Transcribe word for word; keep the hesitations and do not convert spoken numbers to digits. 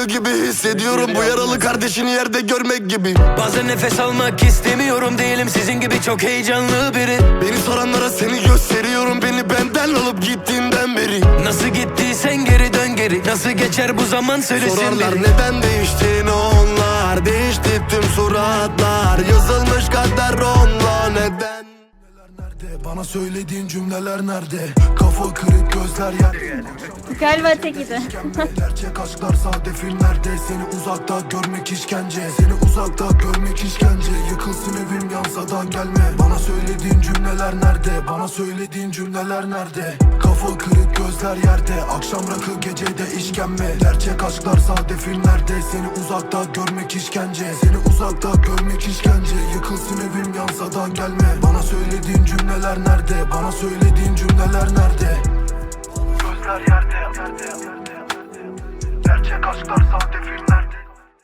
gibi hissediyorum. Bu yaralı kardeşini yerde görmek gibi. Bazen nefes almak istemiyorum, değilim sizin gibi çok heyecanlı biri. Beni soranlara seni gösteriyorum, beni benden alıp gittiğinden beri. Nasıl gittiysen geri dön geri, nasıl geçer bu zaman söylesin Sorarlar biri. neden değiştin onlar, değişti tüm suratlar. Yazılmış kader onunla neden? Nerede? Bana söylediğin cümleler nerede? Kafa kırık gözler yer. Galiba tekiydi. Gerçek aşklar sade filmlerde. Seni uzakta görmek işkence. Seni uzakta görmek işkence. Yıkılsın evim yansadan gelme. Bana söylediğin cümleler nerede? Bana söylediğin cümleler nerede? Kafa kırık gözler yerde. Akşam rakı gecede işkembe. Gerçek aşklar sade filmlerde. Seni uzakta görmek işkence. Seni uzakta görmek işkence. Yıkılsın evim yansadan gelme. Bana söylediğin cümleler nerede? Bana söylediğin cümleler nerede? Gözler yerde, yerde, yerde, yerde. Gerçek aşklar sahte filmler.